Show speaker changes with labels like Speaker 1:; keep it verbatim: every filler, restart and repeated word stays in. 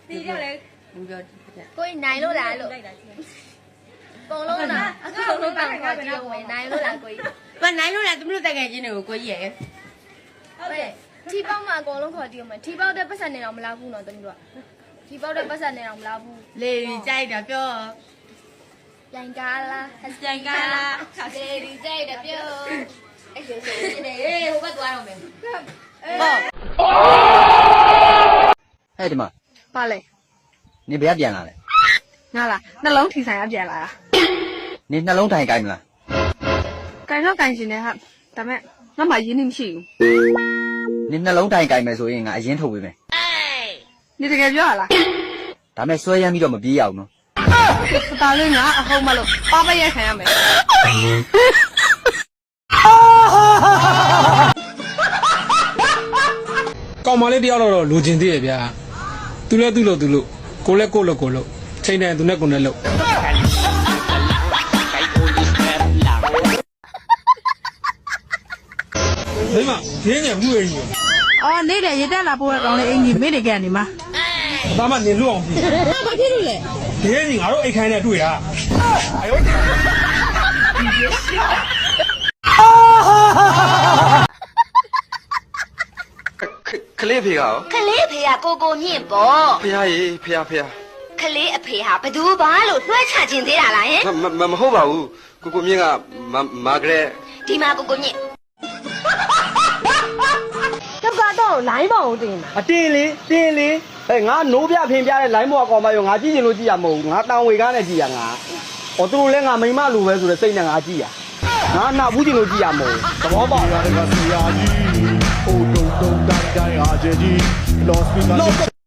Speaker 1: တီးကြလေ
Speaker 2: ဘူးပြော
Speaker 3: ကိုကြီးနိုင်လို့လားလို့ပုံလုံးလားအကောင်လုံးတောင်ခေါ်ကြည့်ဝင်နိုင်လို့လားကိုကြီး
Speaker 2: မနိုင်လို့လားသူတို့တကယ်ချင်းတွေကိုကိုကြီးရဲ့
Speaker 3: ဟုတ်တယ်ထီပေါက်မှာအကောင်လုံးခေါ်ကြည့်ဝင်ထီပေါက်တဲ့ပတ်စံနေတော့မလားဘူးနော်တမီးတို့ထီပေါက်တဲ့ပတ်စံနေတော့မလားဘူး
Speaker 2: လေကြိုက်တာပြော
Speaker 3: ပြန်ကားလား
Speaker 2: ကြိုက်ကားလား
Speaker 3: လေဒီကြိုက်တယ်ပြောအဲ့ဆိုဆိုနေဟေးဟိုဘက်သွားတော့မယ်
Speaker 2: ပေါ့
Speaker 4: ဟဲ့ဒီမှာ
Speaker 1: ပါလေ
Speaker 4: နေဘယ်ကပြန်လာလဲ
Speaker 1: ငါလားနှလုံးထီဆိုင်ကပြန်လာတာ
Speaker 4: နေနှလုံးထိုင်ကိုင်းမလား
Speaker 1: ကင်တော့ကင်ရှင်နေဟာဒါမဲ့ငါမှရင်းနှီးမရှိဘူး
Speaker 4: နေနှလုံးထိုင်ကိုင်းမယ်ဆိုရင်ငါအရင်ထုတ်ပေးမယ်
Speaker 1: နေတကယ်ပြောရလား
Speaker 4: ဒါမဲ့ဆွဲရမ်းပြီးတော့မပြေးရအောင်နော်
Speaker 1: ဒါလေးငါအဟုတ်မလို့ပါပရက်ခံရမယ်
Speaker 5: ကောင်မလေးတယောက်တော့လိုချင်သေးရဲ့ဗျာသူလဲသူ့လို့သူလို့ကိုလဲကိုလို့ကိုလို့ချိန်တယ်သူနဲ့ကိုနဲ့လို့ဒီမှာရင်းငယ်ဘူးရင်းကြီး
Speaker 1: အော်နေ့လေရေတက်လာပို့ရကောင်းလေးအင်ကြီးမိနေကနေမှာ
Speaker 5: ဒါမှနေလွတ်အောင်ပြီ
Speaker 1: ဘာဖြစ်လို့လဲ
Speaker 5: ဒီရင်းကြီးငါတို့အိတ်ခိုင်းနဲ့တွေ့တာအယော
Speaker 6: ကလေးဖေကရော
Speaker 7: ကလေးအဖေကကိုကိုမြင့်ပေါ့
Speaker 6: ဖေဟာရေဖေဟာဖေဟာ
Speaker 7: ကလေးအဖေဟာဘသူဘာလို့လွှဲချခြင်းသေးတာလားဟင်
Speaker 6: မမမဟုတ်ပါဘူးကိုကိုမြင့်ကမာဂရက်
Speaker 7: ဒီမှာကိုကိုမြင့်
Speaker 1: ကပ်ကတော့လိုင်းပေါအောင်တင်တာ
Speaker 8: အတင်းလေးတင်းလေးဟဲ့ငါနိုးပြဖင်ပြတဲ့ line ဘောကောင်မရောငါကြည့်ချင်လို့ကြည့်ရမဟုတ်ဘူးငါတောင်ဝေကားနဲ့ကြည့်ရငါဟောသူတို့လည်းငါမိမလိုပဲဆိုတဲ့စိတ်နဲ့ငါကြည့်ရငါနာဘူးချင်လို့ကြည့်ရမဟုတ်ဘူးသဘောပေါက်လား